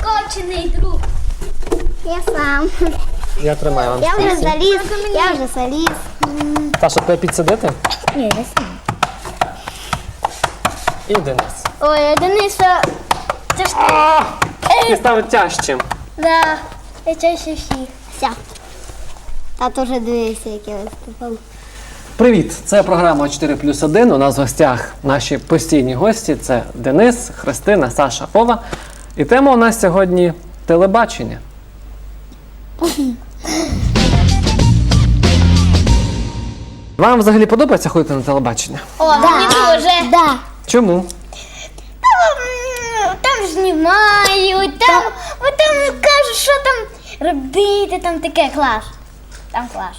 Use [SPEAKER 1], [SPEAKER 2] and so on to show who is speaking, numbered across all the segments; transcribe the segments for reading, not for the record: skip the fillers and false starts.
[SPEAKER 1] Скочений друг.
[SPEAKER 2] Я сам.
[SPEAKER 3] Я тримаю вам.
[SPEAKER 2] Я вже заліз.
[SPEAKER 3] Саша, тебе підсадити?
[SPEAKER 1] Ні, я сам.
[SPEAKER 3] І Денис.
[SPEAKER 1] Ой, Дениса, це ж ти.
[SPEAKER 3] Ти став тяжчим.
[SPEAKER 1] Да, я чаще всіх.
[SPEAKER 2] Все. Тато вже дивився, як я виступав.
[SPEAKER 3] Привіт! Це програма 4+1. У нас в гостях наші постійні гості. Це Денис, Христина, Саша, Вова. І тема у нас сьогодні телебачення. Вам взагалі подобається ходити на телебачення?
[SPEAKER 1] О, мені дуже.
[SPEAKER 2] Да.
[SPEAKER 3] Чому?
[SPEAKER 1] Там знімають, там кажуть, що там робити, там таке клас. Там клас.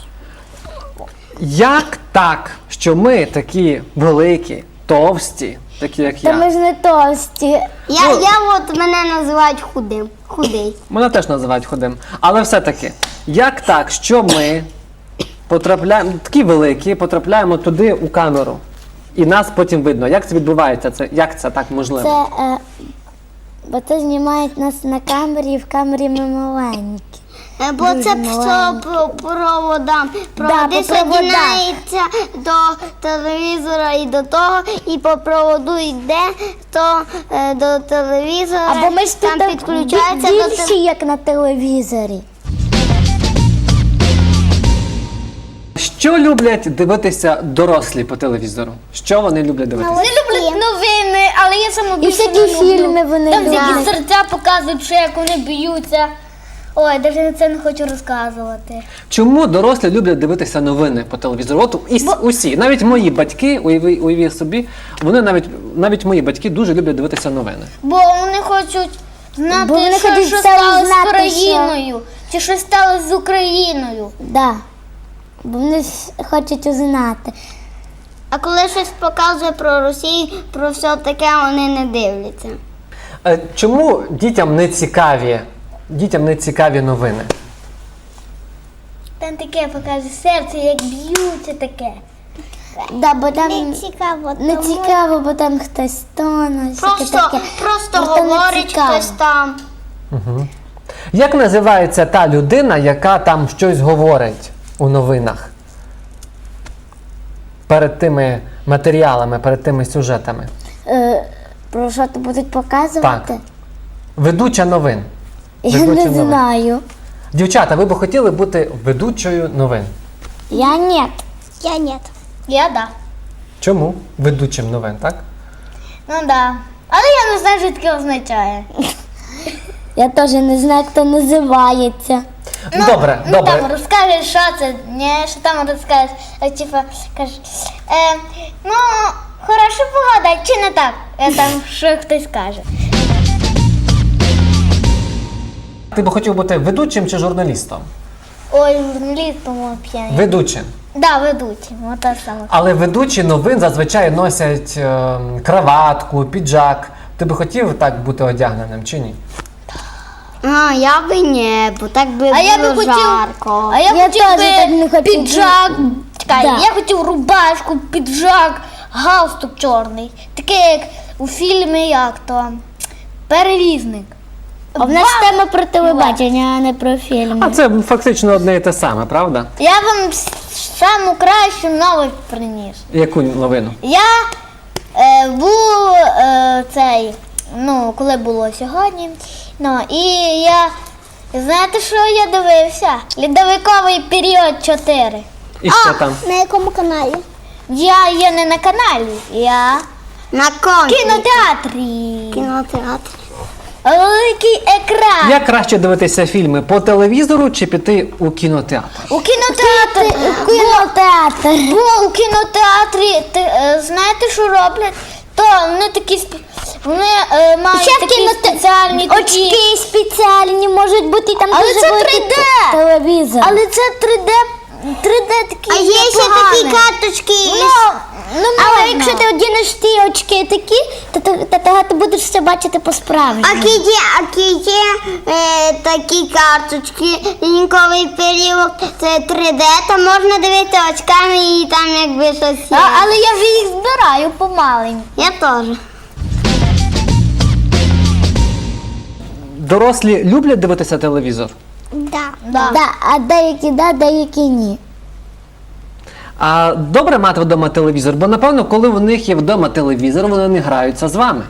[SPEAKER 3] Як так, що ми такі великі, товсті, такі як
[SPEAKER 1] Та ми
[SPEAKER 3] я?
[SPEAKER 1] ж не товсті.
[SPEAKER 2] Я от мене називають худим. Худий.
[SPEAKER 3] Мене теж називають худим. Але все-таки, як так, що ми потрапляємо, такі великі, потрапляємо туди у камеру, і нас потім видно. Як це відбувається? Як це так можливо?
[SPEAKER 1] Бо це знімають нас на камері, і в камері ми маленькі.
[SPEAKER 2] Бо це все проводам. Проводи
[SPEAKER 1] по проводах.
[SPEAKER 2] соєднаються до телевізора і до того, і по проводу йде то до телевізора.
[SPEAKER 1] Або ми ж
[SPEAKER 2] там
[SPEAKER 1] тут
[SPEAKER 2] підключається до
[SPEAKER 1] більші, як на телевізорі.
[SPEAKER 3] Що люблять дивитися дорослі по телевізору? Що вони люблять дивитися?
[SPEAKER 1] Вони люблять новини, але я саме більше
[SPEAKER 2] всякі
[SPEAKER 1] не люблю.
[SPEAKER 2] фільми вони
[SPEAKER 1] Там
[SPEAKER 2] люблять.
[SPEAKER 1] такі серця показують, що як вони б'ються. Ой, навіть це не хочу розказувати.
[SPEAKER 3] Чому дорослі люблять дивитися новини по телевізору? От усі, навіть мої батьки, уявіть собі, вони навіть мої батьки дуже люблять дивитися новини.
[SPEAKER 1] Бо вони хочуть знати,
[SPEAKER 2] Бо вони хочуть
[SPEAKER 1] що
[SPEAKER 2] все
[SPEAKER 1] сталося з
[SPEAKER 2] знати,
[SPEAKER 1] країною. Чи що сталося з Україною.
[SPEAKER 2] Да. Бо вони хочуть узнати. А коли щось показує про Росію, про все таке, вони не дивляться.
[SPEAKER 3] Чому дітям не цікаві новини?
[SPEAKER 1] Там таке показує серце, як б'ються таке.
[SPEAKER 2] Да, бо там
[SPEAKER 1] Не цікаво, бо там хтось тоне.
[SPEAKER 2] Просто
[SPEAKER 1] Бо то не
[SPEAKER 2] говорить
[SPEAKER 1] цікаво.
[SPEAKER 2] хтось там.
[SPEAKER 3] Як називається та людина, яка там щось говорить у новинах? Перед тими матеріалами, перед тими сюжетами.
[SPEAKER 1] Про що то будуть показувати?
[SPEAKER 3] Так. Ведуча новин.
[SPEAKER 1] Я
[SPEAKER 3] Ведуча
[SPEAKER 1] не
[SPEAKER 3] новин.
[SPEAKER 1] знаю.
[SPEAKER 3] Дівчата, ви б хотіли бути ведучою новин?
[SPEAKER 1] Я ні.
[SPEAKER 2] Я ні.
[SPEAKER 1] Я да.
[SPEAKER 3] Чому? Ведучим новин, так?
[SPEAKER 1] Ну да. Але я не знаю, що таке означає. Я теж не знаю, як це називається.
[SPEAKER 3] Добре.
[SPEAKER 1] Там розкажеш, що це, що там розкажеш. Типа, кажеш, хорошо погода, чи не так? Там що хтось каже.
[SPEAKER 3] Ти б хотів бути ведучим чи журналістом?
[SPEAKER 1] Ой, журналіст, по-моєму, п'яний.
[SPEAKER 3] Ведучим.
[SPEAKER 1] Да, ведучий, ота саме.
[SPEAKER 3] Але ведучі новин зазвичай носять краватку, піджак. Ти би хотів так бути одягненим чи ні?
[SPEAKER 2] Я би ні, бо так би було жарко.
[SPEAKER 1] А я хотів би піджак. Чекай,
[SPEAKER 2] Да.
[SPEAKER 1] я хотів рубашку, піджак, галстук чорний. Таке, як у фільмі, як то, перевізник.
[SPEAKER 2] А в нас тема про телебачення, а не про фільми.
[SPEAKER 3] А це фактично одне і те саме, правда?
[SPEAKER 1] Я вам саму кращу новость приніс.
[SPEAKER 3] Яку новину?
[SPEAKER 1] Я був коли було сьогодні, і я, знаєте, що я дивився? Льодовиковий період 4.
[SPEAKER 3] І що там?
[SPEAKER 2] На якому каналі?
[SPEAKER 1] Я є не на каналі, я
[SPEAKER 2] На
[SPEAKER 1] в кінотеатрі.
[SPEAKER 2] Кінотеатр.
[SPEAKER 1] Великий екран.
[SPEAKER 3] Як краще дивитися фільми по телевізору чи піти у кінотеатр?
[SPEAKER 1] У кінотеатрі. Бо у кінотеатрі, знаєте, що роблять? То вони такі, вони мають такі спеціальні такі.
[SPEAKER 2] Очки спеціальні можуть бути там.
[SPEAKER 1] Але
[SPEAKER 2] дуже
[SPEAKER 1] це
[SPEAKER 2] великий
[SPEAKER 1] 3D.
[SPEAKER 2] телевізор.
[SPEAKER 1] Але це 3D такі.
[SPEAKER 2] А є ще такі карточки.
[SPEAKER 1] Але
[SPEAKER 2] Але якщо ти одінеш ті очки такі, то ти будеш все бачити по-справжньому. А є такі карточки, ліньковий період, це 3D, там можна дивитися очками і там якби щось є.
[SPEAKER 1] Але я вже їх збираю помаленьку.
[SPEAKER 2] Я теж.
[SPEAKER 3] дорослі люблять дивитися телевізор?
[SPEAKER 2] Да.
[SPEAKER 1] Да.
[SPEAKER 2] Да, а деякі да, деякі ні.
[SPEAKER 3] А добре мати вдома телевізор? Бо, напевно, коли у них є вдома телевізор, вони не граються з вами.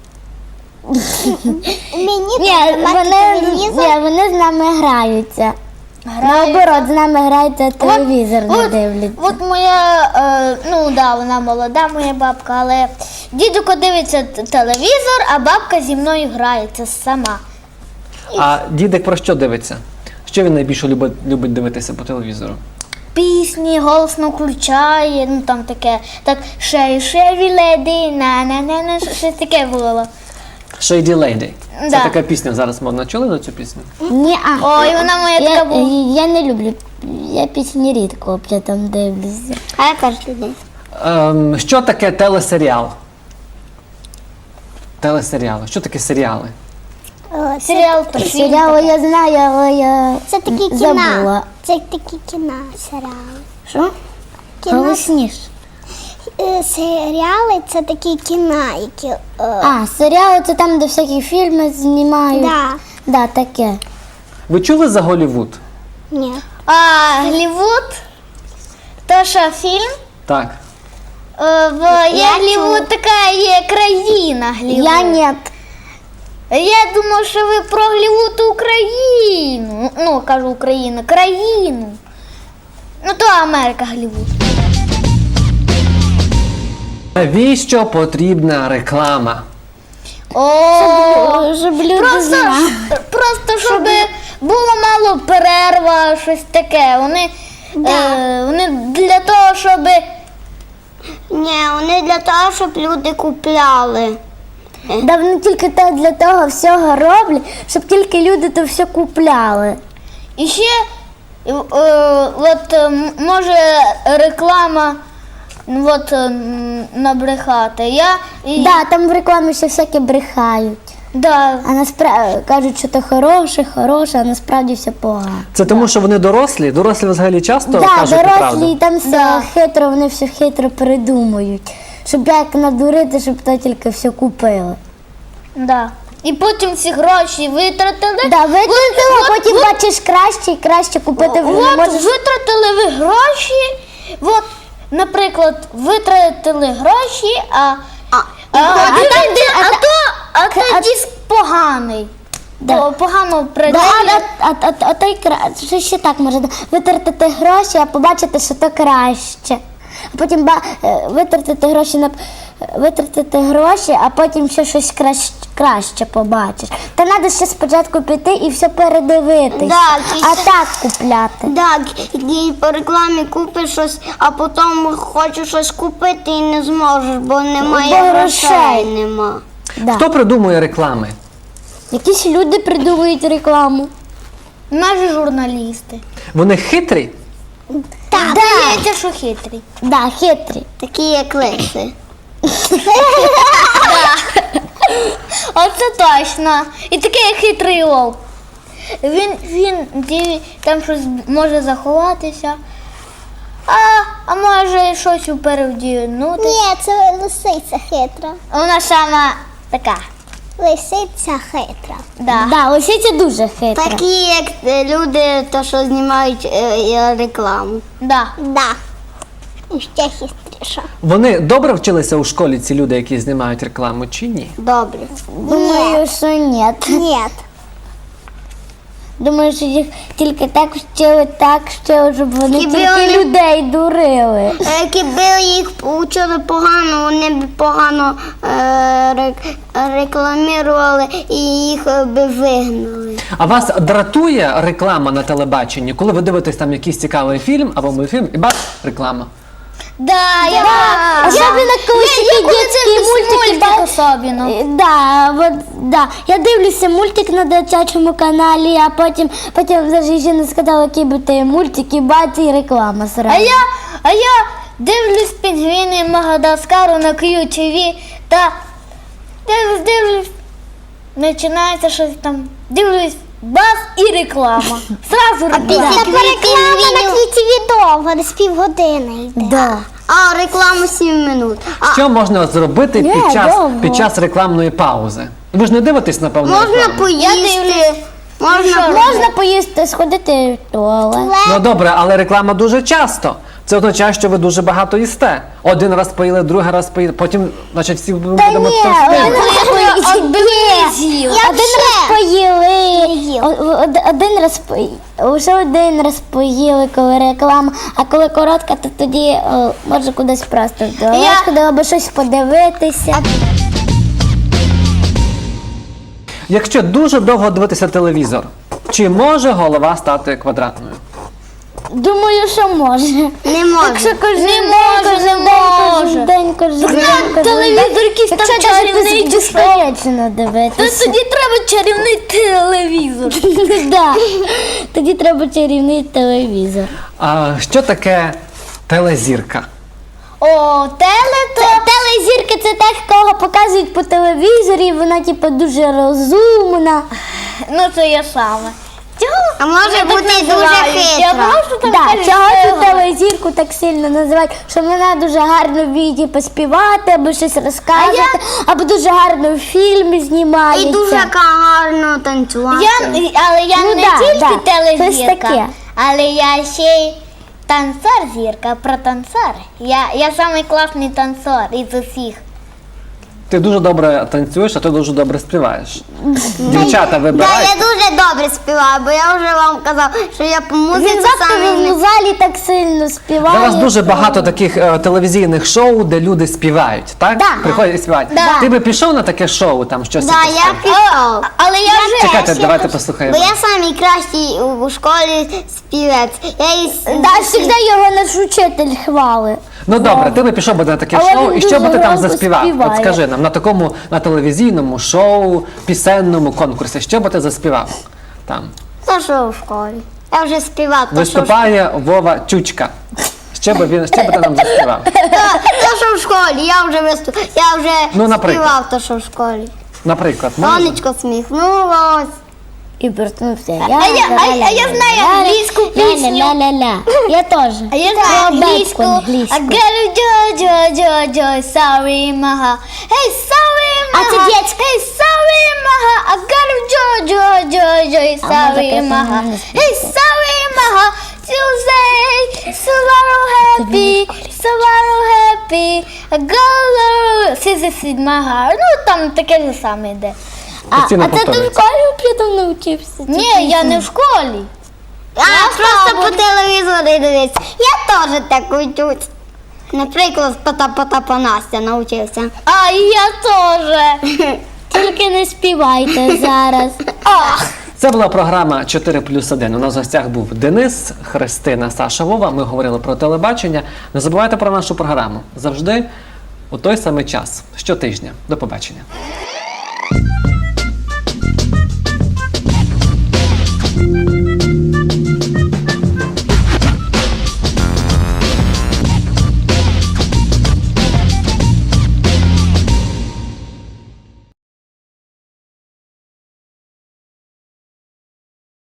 [SPEAKER 2] Ні, вони з нами граються. Наоборот, з нами грається, телевізор не дивляться.
[SPEAKER 1] От моя, ну да, вона молода, моя бабка, але дідуко дивиться телевізор, а бабка зі мною грається сама.
[SPEAKER 3] А дідик про що дивиться? Що він найбільше любить дивитися по телевізору?
[SPEAKER 1] Пісні голосно включає, ну там таке, так шеві леді, на щось таке було.
[SPEAKER 3] Shady Lady. Це
[SPEAKER 1] Да.
[SPEAKER 3] така пісня, зараз модна. Чули на цю пісню?
[SPEAKER 2] Ні,
[SPEAKER 1] Ой, вона моя така була.
[SPEAKER 2] Я не люблю. Я пісні рідко там дивлюся. А я кожен день.
[SPEAKER 3] Що таке телесеріал? Телесеріали. Що таке серіали?
[SPEAKER 1] Серіал то фільм.
[SPEAKER 2] Серіали я знаю, але я
[SPEAKER 4] Це такі
[SPEAKER 2] забула.
[SPEAKER 4] кіна. Це такі кіна, серіали.
[SPEAKER 2] Що?
[SPEAKER 4] Кіно.
[SPEAKER 2] Голосніш.
[SPEAKER 4] Серіали це такі кіна, які.
[SPEAKER 2] А, серіали це там, де всякі фільми знімають.
[SPEAKER 4] Да.
[SPEAKER 2] Да, таке.
[SPEAKER 3] Ви чули за Голлівуд?
[SPEAKER 4] Ні.
[SPEAKER 1] А Голлівуд, то що фільм?
[SPEAKER 3] Так.
[SPEAKER 1] Є Голлівуд, така є країна Голлівуд.
[SPEAKER 2] Я ні.
[SPEAKER 1] Я думав, що ви про Голлівуд Україну. Ну, кажу Україну, країну. Ну, то Америка Голлівуд.
[SPEAKER 3] Навіщо потрібна реклама?
[SPEAKER 2] Щоб люди знали.
[SPEAKER 1] Просто щоб було мало перерва, щось таке. Вони для того, щоб
[SPEAKER 2] Ні, вони для того, щоб люди купляли. Да вони тільки для того всього роблять, щоб тільки люди то все купляли.
[SPEAKER 1] і ще може реклама набрехати.
[SPEAKER 2] Да, там в рекламі ще всяке брехають.
[SPEAKER 1] Да.
[SPEAKER 2] А насправді кажуть, що то хороше, а насправді все погано.
[SPEAKER 3] Це тому, що вони дорослі? Дорослі взагалі часто
[SPEAKER 2] Да,
[SPEAKER 3] кажуть
[SPEAKER 2] дорослі,
[SPEAKER 3] неправду?
[SPEAKER 2] і там все хитро, вони все хитро придумують. Щоб як надурити, щоб то тільки все купили.
[SPEAKER 1] Да. І потім ці гроші витратили.
[SPEAKER 2] Да, витратила, а потім бачиш краще і краще купити.
[SPEAKER 1] От витратили ви гроші. От, наприклад, витратили гроші, а то диск поганий.
[SPEAKER 2] Да.
[SPEAKER 1] Погано працює.
[SPEAKER 2] А то й краще, ще так можна витратити гроші, а побачити, що то краще. А потім витратити гроші, а потім ще щось краще побачиш. Та треба ще спочатку піти і все передивитись, а так купляти.
[SPEAKER 5] Так, і по рекламі купиш щось, а потім хочеш щось купити і не зможеш, бо немає
[SPEAKER 2] Бо
[SPEAKER 5] грошей.
[SPEAKER 2] грошей.
[SPEAKER 5] Нема.
[SPEAKER 2] Да.
[SPEAKER 3] Хто придумує реклами?
[SPEAKER 2] Якісь люди придумують рекламу.
[SPEAKER 1] Наші журналісти.
[SPEAKER 3] Вони хитрі?
[SPEAKER 1] Так, здається, що хитрі.
[SPEAKER 2] Да, хитрі.
[SPEAKER 5] Такі як лиси.
[SPEAKER 1] Оце точно. І такий хитрий вовк. Він там щось може заховатися, а може щось перевдягнути.
[SPEAKER 4] Ні, це лисиця хитра.
[SPEAKER 1] Вона сама така.
[SPEAKER 4] Лисиця хитра.
[SPEAKER 1] Да.
[SPEAKER 2] Да, лисиця дуже хитра.
[SPEAKER 5] Такі як люди, то, що знімають рекламу.
[SPEAKER 1] Да.
[SPEAKER 4] Да. І ще хитріша.
[SPEAKER 3] Вони добре вчилися у школі, ці люди, які знімають рекламу, чи ні?
[SPEAKER 5] Добре.
[SPEAKER 2] Думаю, що ні.
[SPEAKER 4] Ні.
[SPEAKER 2] Думаю, що їх тільки так вчили, щоб вони
[SPEAKER 5] Хіба
[SPEAKER 2] тільки
[SPEAKER 5] вони-
[SPEAKER 2] людей дурили.
[SPEAKER 5] Якби їх учили погано, вони б погано рекламували і їх би вигнали.
[SPEAKER 3] А вас дратує реклама на телебаченні, коли ви дивитесь там якийсь цікавий фільм або мультфільм, і бац, реклама.
[SPEAKER 1] Да,
[SPEAKER 2] Особливо, коли такі дитячі мультики.
[SPEAKER 1] особливо.
[SPEAKER 2] Да. Я дивлюся мультик на дитячому каналі, а потім навіть ще не сказала, який би ти мультик, і бац, і реклама сразу.
[SPEAKER 1] А я дивлюсь пінгвіни Мадагаскару на QTV та дивлюсь, починається щось там, дивлюсь, бас і реклама. Сразу реклама.
[SPEAKER 4] Та реклама на квітіві довго, десь півгодини йде.
[SPEAKER 2] Да.
[SPEAKER 5] А рекламу 7 минут.
[SPEAKER 3] Що можна зробити
[SPEAKER 2] Ні, довго.
[SPEAKER 3] під час рекламної паузи? Ви ж не дивитесь, напевно,
[SPEAKER 5] Можна
[SPEAKER 3] рекламу?
[SPEAKER 5] поїсти.
[SPEAKER 2] Можна поїсти, сходити в туалет.
[SPEAKER 3] Ну добре, але реклама дуже часто. Це означає, що ви дуже багато їсте. Один раз поїли, другий раз поїли, потім, значить, всі будемо товстими.
[SPEAKER 2] Один раз поїли, один раз вже один раз поїли, коли реклама, а коли коротка, то тоді може кудись просто в туалет ходила, або щось подивитися.
[SPEAKER 3] Якщо дуже довго дивитися телевізор, чи може голова стати квадратною?
[SPEAKER 2] Думаю, що може.
[SPEAKER 5] Не можна.
[SPEAKER 2] Якщо кожен
[SPEAKER 1] Не
[SPEAKER 2] день,
[SPEAKER 1] може,
[SPEAKER 2] кожен
[SPEAKER 1] не
[SPEAKER 2] день,
[SPEAKER 1] може.
[SPEAKER 2] кожен день, кожен день, кожен
[SPEAKER 1] телевізор
[SPEAKER 2] день.
[SPEAKER 1] якийсь там
[SPEAKER 2] Якщо навіть
[SPEAKER 1] чарівний чи що?
[SPEAKER 2] безперечно
[SPEAKER 1] То
[SPEAKER 2] дивитися.
[SPEAKER 1] тоді треба чарівний телевізор.
[SPEAKER 2] Да. Тоді треба чарівний телевізор.
[SPEAKER 3] А що таке телезірка?
[SPEAKER 1] О,
[SPEAKER 2] Телезірка це так, кого показують по телевізорі, вона типу дуже розумна.
[SPEAKER 1] ну це я саме.
[SPEAKER 5] А може бути дуже
[SPEAKER 1] Я
[SPEAKER 5] хитра.
[SPEAKER 1] просто там
[SPEAKER 2] Да,
[SPEAKER 1] кажу,
[SPEAKER 2] чого
[SPEAKER 1] що
[SPEAKER 2] цю телезірку так сильно називають, що вона дуже гарно вміє поспівати, або щось розказувати, або дуже гарно в фільмі знімається.
[SPEAKER 5] І дуже гарно танцювати.
[SPEAKER 1] Але я
[SPEAKER 2] Ну
[SPEAKER 1] не
[SPEAKER 2] да,
[SPEAKER 1] тільки
[SPEAKER 2] да, щось
[SPEAKER 1] телезірка,
[SPEAKER 2] таке.
[SPEAKER 1] але я ще й танцор зірка про танцор. Я самий класний танцор із усіх.
[SPEAKER 3] Ти дуже добре танцюєш, а ти дуже добре співаєш. Дівчата
[SPEAKER 5] Да,
[SPEAKER 3] вибирають.
[SPEAKER 5] я дуже добре співаю, бо я вже вам казав, що я по музиці
[SPEAKER 2] Він
[SPEAKER 5] саме
[SPEAKER 2] в залі так сильно співає.
[SPEAKER 3] Зараз дуже
[SPEAKER 2] що-
[SPEAKER 3] багато таких телевізійних шоу, де люди співають, так?
[SPEAKER 2] Да.
[SPEAKER 3] Приходять і співають.
[SPEAKER 1] Да.
[SPEAKER 3] Ти би пішов на таке шоу, там щось?
[SPEAKER 5] Да,
[SPEAKER 3] якесь
[SPEAKER 5] я
[SPEAKER 3] там?
[SPEAKER 5] пішов.
[SPEAKER 1] Але я вже
[SPEAKER 3] Чекайте, давайте послухаємо.
[SPEAKER 5] Бо я самий кращий у школі співець. Я із...
[SPEAKER 2] Да, завжди його наш учитель хвалить.
[SPEAKER 3] Ну добре, ти би пішов би на таке
[SPEAKER 2] Але
[SPEAKER 3] шоу,
[SPEAKER 2] він
[SPEAKER 3] і що би
[SPEAKER 2] дуже
[SPEAKER 3] ти там
[SPEAKER 2] громко
[SPEAKER 3] заспівав?
[SPEAKER 2] співає.
[SPEAKER 3] От скажи нам, на телевізійному шоу, пісенному конкурсі, що би ти заспівав там?
[SPEAKER 5] То що в школі? Я вже співав. То що в
[SPEAKER 3] Виступає Вова Чучка. Що би ти нам заспівав?
[SPEAKER 5] То, що в школі, я вже я вже
[SPEAKER 3] Ну, наприклад.
[SPEAKER 5] співав то, що в школі.
[SPEAKER 3] Наприклад, можна?
[SPEAKER 5] Сонечко сміхнулось.
[SPEAKER 2] І вернувся.
[SPEAKER 1] А я знаю англійську пісню.
[SPEAKER 2] Ля-ля-ля-ля. Я теж.
[SPEAKER 1] А я знаю англійську.
[SPEAKER 2] англійську.
[SPEAKER 1] I gotta jo, sorry, maha. Hey, sorry, maha.
[SPEAKER 2] А це дітська.
[SPEAKER 1] Hey, sorry, maha. I gotta jo, sorry,
[SPEAKER 2] таке
[SPEAKER 1] maha.
[SPEAKER 2] саме не співає.
[SPEAKER 1] Hey, sorry, maha. Tuesday, so happy. I gotta sing maha. Ну, там таке ж саме йде.
[SPEAKER 3] Постійно
[SPEAKER 2] А це ти в
[SPEAKER 3] повторюється.
[SPEAKER 2] школі плітом навчився?
[SPEAKER 1] Ні, я не в школі.
[SPEAKER 5] Просто по телевізору дивитися. Я теж так учусь. Наприклад, Потапа Настя навчився.
[SPEAKER 1] А я теж.
[SPEAKER 2] Тільки не співайте зараз.
[SPEAKER 3] Це була програма 4+1. У нас в гостях був Денис, Христина, Саша, Вова. Ми говорили про телебачення. Не забувайте про нашу програму. Завжди у той самий час, щотижня. До побачення.